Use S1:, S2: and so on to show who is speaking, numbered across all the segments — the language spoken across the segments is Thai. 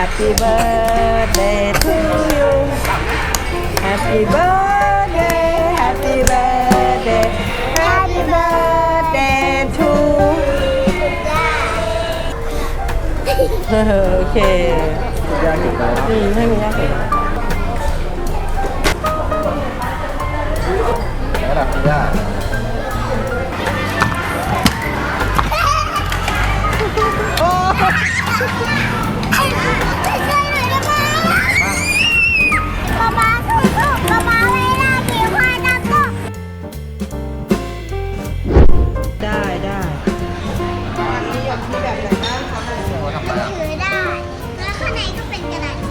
S1: Happy birthday to you Happy birthday Happy birthday Happy birthday to โอเค
S2: ยากเกินไปเนาะ
S1: ให้มันยากเกินไป
S2: ระดับยาก
S1: ได้ได้อันนี้อยากที่แบบไหนบ้างคะ
S2: ถือได้แล้วข้างในก็เป็นกระดาษ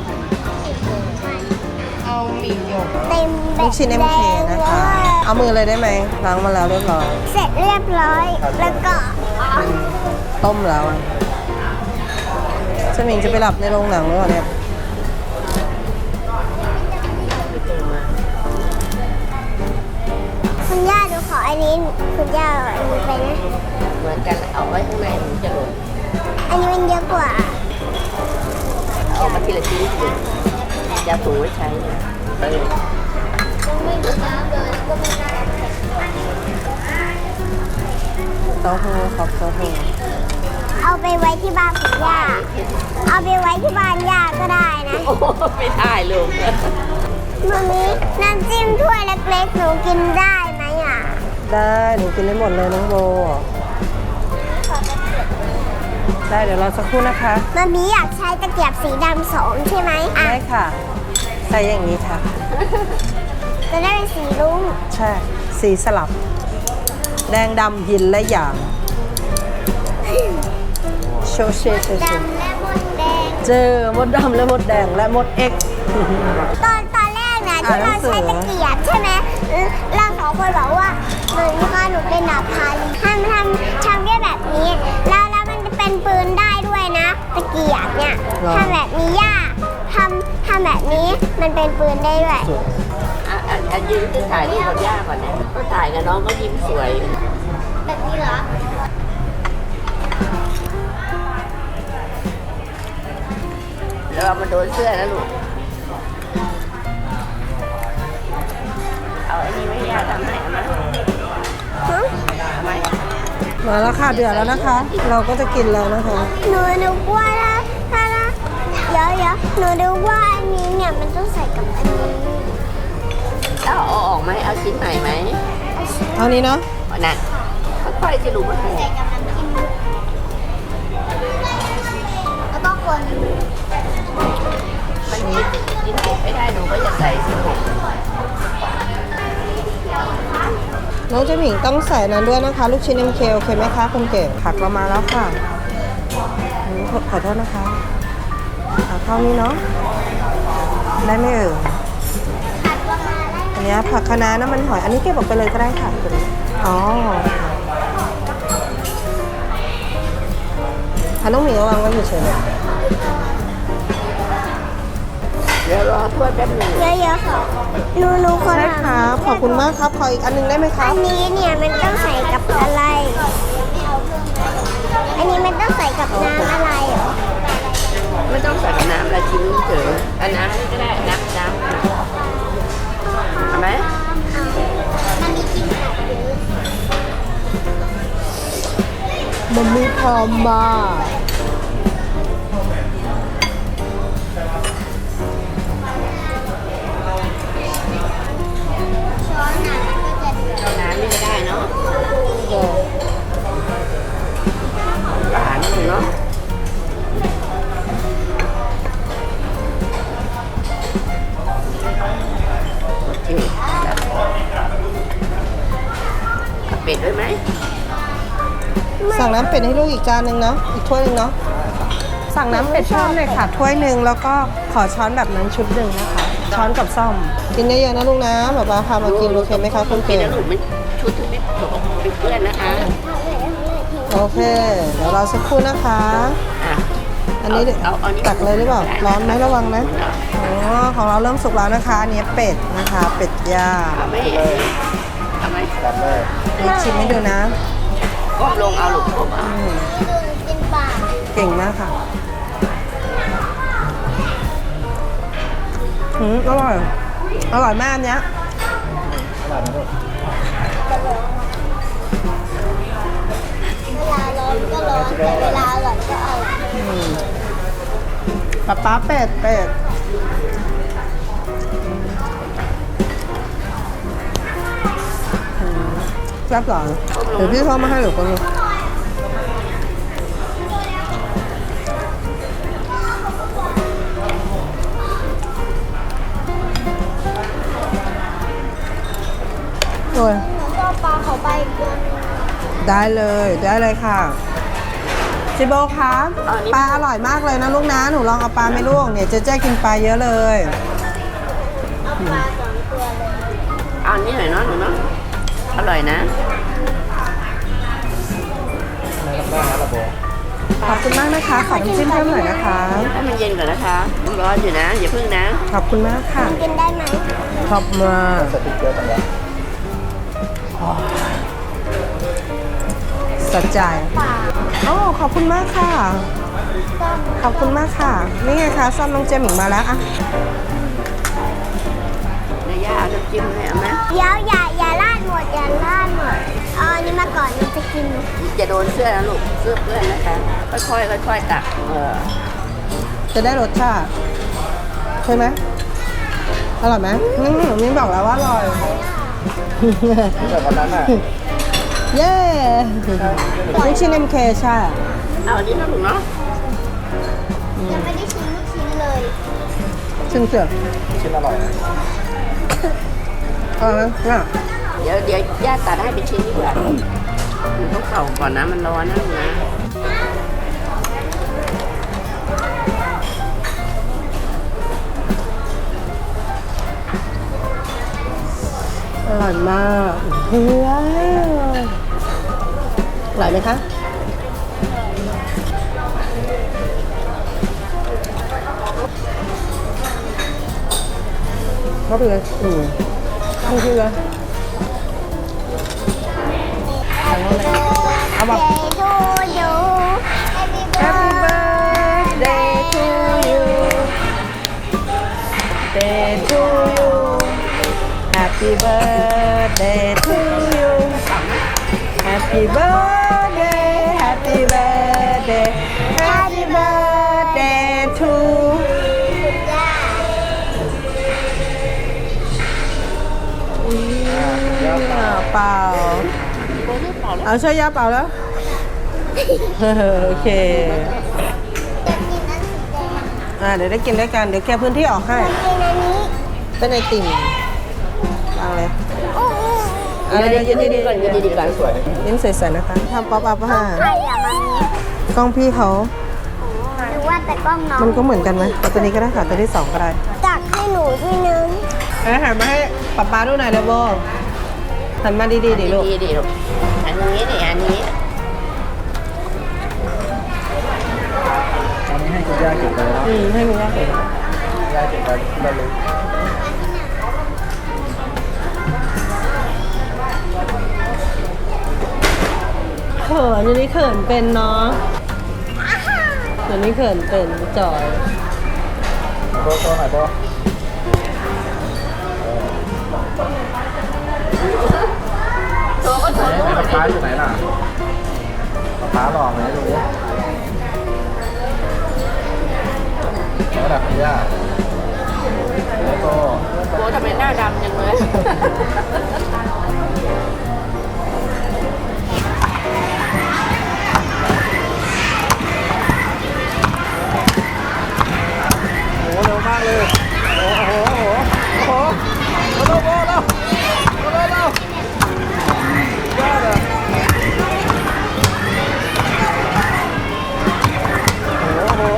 S1: เอาหมี่หยก
S2: เต็มแบบ
S1: ลูกชิ้น MK นะคะ เอามือเลยได้ไหมล้างมาแล้วเรียบร้อย
S2: เสร็จเรียบร้อยแล้วก็
S1: ต้มแล้วอะสมิงจะไปหลับในโรงหนังหรือเปล่าเนี่ย
S2: คุณย่าดูขออันนี้คุณย่าเอาอันนี้ไปนะ
S3: เหมือนกันเอาไว้ข้างในมันจะหล่น
S2: อันนี้มันเยอะกว่า
S3: เอามาทีละชิ้นสิจะถูไว้ใช้เนี่ย
S1: เต้าหู้ครับเต้าหู้
S2: เอาไปไว้ที่บ้านคุณย่า เอาไปไว้ที่บ้านย่าก็ได้นะ
S3: โอ้ไม่ได้ลูก
S2: มามีน้ำจิ้มถ้วยเล็กๆหนูกินได้ไหมอ่ะ
S1: ได้หนูกินได้หมดเลยน้องโบได้เดี๋ยวรอสักครู่นะคะ
S2: มามีอยากใช้ตะเกียบสีดำ2ใช่ไหมอ่ะ
S1: ได้ค่ะใส่อย่างนี้ค่ะ
S2: จะได้เป็นสีรุ้ง
S1: ใช่ สีสลับ แดงดำหินและหยางโชเชโชเช
S2: ดำและมดแดง
S1: เจอมดดำและมดแดงและมดเอ็ก
S2: ตอนแรกนะที่เราใช้ตะเกียบใช่ไหมเราสองคนบอกว่าเหมือนว่าหนูเป็นดาบพาลีทำได้แบบนี้ แล้วมันจะเป็นปืนได้ด้วยนะตะเกียบเนี่ยทำแบบนี้ยากทำแบบนี้มันเป็นปืนได้ด้วย
S3: อันยืนจะถ่ายรูปกับย่าก่อนนะก็ถ่ายกับน้องก็ยิ้มสวย
S2: แบบนี้เหรอ
S3: แล้วเอามาโดนเสื้อนะลูกเอาอันนี้ไม่ย่าทำให้เอามาเอาไหม
S1: มาแล้วค่ะเดือดแล้วนะคะ เราก็จะกินแล้วนะคะ
S2: หนูกลัวถ้าเดี๋ยวหนูดูว่าอันนี้เนี่ยมันต้องใส่กับอันนี้
S3: แล้วเอาออกไหมเอาชิ้นไหนไหม
S1: เอานี้เนาะ
S3: น่ะค่อยๆจะลูกมันถูก
S2: ใส่กับน้ำจิ้มแล้วก็คน
S3: มันกินเผ็ดไม่ได้หนูก็อย่าใส่สิลูก
S1: น้องเจหมิงต้องใส่นั้นด้วยนะคะ ลูกชิ้น MK โอเคไหมคะคุณเก๋ผักเรามาแล้วค่ะขอโทษนะคะเอาเข้านี้เนาะได้ไหมเอ่ย
S2: ผัดประมาณได้
S1: อันนี้ผักคะน้าน้ำมันหอยอันนี้เก็บออกไปเลยก็ได้ค่ะคุณอ๋อค่ะน้องหมิงระวังไว้อยู่เฉยเลย
S3: เดี๋ยวรอถ้วยแป๊บหนึง
S2: เยอะๆค่ะหนูคน
S1: ใช่ครับขอบคุณมากครับขออีกอันนึงได้ไหมค
S2: อั
S1: รับ
S2: นนี้เนี่ยมันต้องใส่กับอะไร อันนี้มันต้องใส่กับน้ำอะไรเหรอ
S3: ไม่ต้องใส่น้ำละชิ้นเฉยอันน้ำนี่ก็ได้น้ำทำไหม
S2: มันมีกินแบบนี้
S1: มันมีพอมา
S2: ช้อนน่ะมันก็จะ
S3: น้ำนี่ก็ได้เนาะหวานเนาะเป็ดด้วยไหม
S1: สั่งน้ำเป็ดให้ลูกอีกจานหนึ่งเนาะอีกถ้วยหนึ่งเนาะสั่งน้ำเป็ดเพิ่มเลยค่ะถ้วยหนึ่งแล้วก็ขอช้อนแบบนั้นชุดหนึ่งนะคะช้อนกับซ่อมกินเยอะๆนะลูกนะแบบว่าพามากินโอเคไหมคะคุณ
S3: เป็
S1: เก๋
S3: ดนะลูกไม่ชุดที่ไม่ถูกเป็นเพื่อนนะคะ
S1: โอเคเดี๋ยวรอสักครู่นะคะ
S3: อ่ะ
S1: อันนี้ตักเลยหรือเปล่าร้อนไหมระวังนะอ๋อของเราเริ่มสุกแล้วนะคะอันนี้เป็ดนะคะเป็ดย่าง
S3: เอาไหมเอาไหม
S2: จัดเลย
S1: นี่ชิมให้ดูนะ
S3: ก้มลงเอาลูกก้มเอา
S2: กินปลา
S1: เก่งมากค่ะอร่อย อร่อยมากอันเนี้ย
S2: เวลาร้อนก็ร้อนแต่เวลาอร่อยก็อร่อย
S1: ป๊าเป็ดแซ่บหรอเดี๋ยวพี่เข้ามาให้หรือเปล่าโอ้ย
S2: หนูก็ปลาเขาไปอีกตัวนึง
S1: ได้เลยค่ะจิโบครับปลาอร่อยมากเลยนะลูกนะหนูลองเอาปลาไหม่ลูกเนี่ยเจ๊กินปลาเยอะเลย
S2: เอาปลา2 ตัวเลย
S3: เอาอันนี้หน่อยเนาะหนูเนาะอร่อยนะ
S1: ขอบคุณมากนะคะขอน้ำจิ้มเพิ่มหน่อยนะคะ
S3: ให้มันเย็นก่อนนะคะมันร้อนอยู่นะอย่าพึ่งนะ
S1: ขอบคุณมากค่ะ
S2: กินได้ไหม
S1: ขอบมากสะใจ
S2: ปลา
S1: โอ้ขอบคุณมากค่ะ
S2: ต้ม
S1: ขอบคุณมากค่ะ นี่ไงคะซ่อมน้องเจมหมิงมาแล้วอะ
S3: ในย่าเอาน้ำจิ้มให้เอาไหม
S2: เดี๋ยวอย่าลาดหมดเอาอันนี้มาก่อนมันจะกิน
S3: จะโดนเสื้อนะลูกเสื้อเพื่อนนะคะค่อยๆตัก
S1: จะได้รสชาติใช่ไหมอร่อยไหมมิ้นบอกแล้วว่าอร่อย
S4: แบบวันนั้นอ่ะ
S1: เย้ลูกชิ้น MK ใช่
S3: เอาอันนี้นะลูกเนาะ
S2: ยังไม่ได้ชิมลูกชิ้นเลย
S1: ชิ้นเสือก
S4: ชิ้นอร่อยนะ
S1: อร่อยไหมเนี่ย
S3: เดี๋ยวย่าตัดให้เป็นชิ้นดีกว่าหนูต้องเป่าก่อนนะมันร้อนนะลูกนะ
S1: อร่อยมากเฮ้ยอร่อยไหมคะเข้าไปเลยเข้าไปเลยเอาแบบ
S2: Day to you
S1: Happy birthday to you Happy birthday to you Happy birthday Happy birthday Happy birthday to เปล่าเอาช่วยย่าเปล่าแล้ว โอเค เดี๋ยวได้กินด้วยกัน เดี๋ยวแกพื้นที่ออกให้
S2: กินอันนี้
S1: เป็นไอติ่มวางเลย
S3: เดี๋ยวยืนดีๆก่อนยืนดีๆก่อน
S4: สวย
S1: ยิ้มใสๆนะคะทำป๊อปอัพค่ะ
S2: ใครอย่ามานี้
S1: กล้องพี่เขา
S2: หรือว่าแต่กล้องน้อง
S1: มันก็เหมือนกันไหมเอาตัวนี้ก็ได้ค่ะ ตัวที่2ก็ได้
S2: ตักให้หนูทีนึง
S1: หันมาให้ป๊าดูหน่อยเดี๋ยวโบหันมาดีๆดิลูก
S3: ดีๆลูกอันนี้นี่อันนี้
S4: อันนี้ให้คุณย่าเก็บเลยนะ
S1: ให้มีย่าเห็น
S4: ย่าเก็บไว้ที่ระลึก
S1: เขินอยู่นี่เขินเป็นเนาะเดี๋ยวนี้เขินเป็นจอย
S4: โบโซ่หน่อยโบป๊าอยู่ไหนล่ะป๊าหลอกไหมดูดิระดับคุณย่าโบ
S3: โบทำไมหน้าดำจังเลย
S4: โอ้เร็วมากเลยโอ้โหโอ้โหโอ้โหโอ้โหโอ้โหโอ้โหยอดอ่ะโอ้โห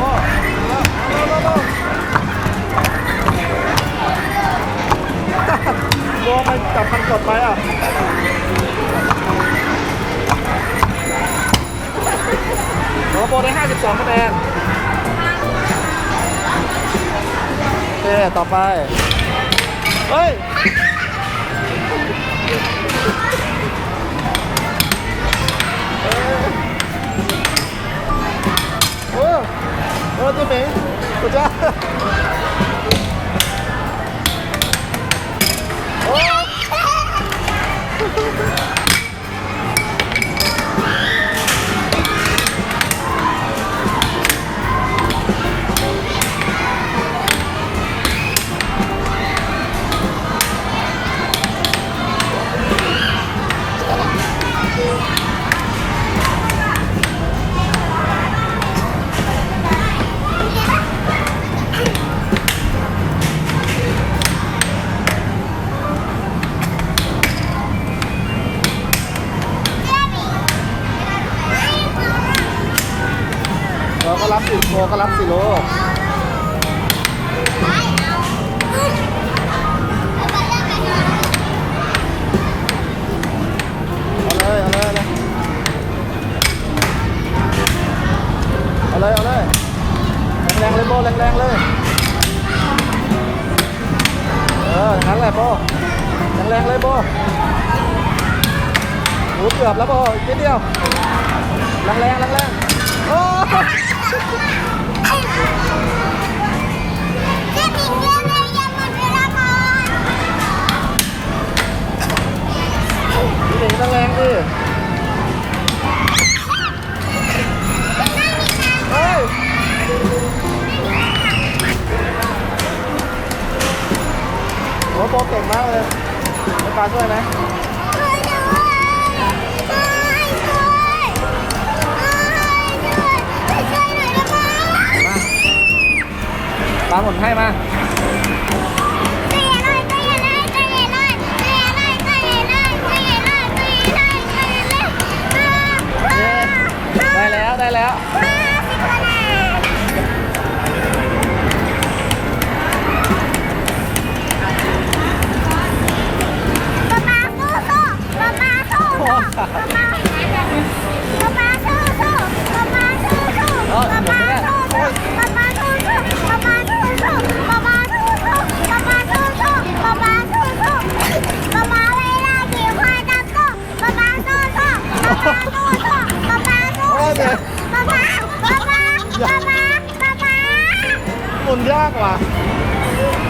S4: โบมันจับคันกดไปอ่ะโอ้โบได้52คะแนนโอเคต่อไป เฮ้ย โอ้เจ๊เหม่งกูจ้าโอ้เราก็รับสิโกก็รับสิลูกเอาเลยเอาเลยแรงๆเลยโบแรงๆเลยงั้นแหละโบแรงๆเลยโบหูเกือบแล้วโบอีกนิดเดียวแรงๆแรงๆโอ้
S2: เจ๊ปิ่นเรื่องเลยยังหมดเวลาก่อน
S4: พี่หนิงต้องแรงดิเฮ้ยโอ้โบเก่งมากเลยให้ปลาช่วยไหม
S2: ช่วยหน่อยได้ไหม
S4: ปลาหมุนให้มา
S2: ใจเย็นหน่อยใจเย็นหน่อยใจเย็นหน่อยใจเย็นหน่อยใจเย็นหน่อยใจเย็นหน่อยใจเย็นหน่อยใจเย็นหน่อย
S4: ได้แล้วได้แล้ว หมุนยากว่ะ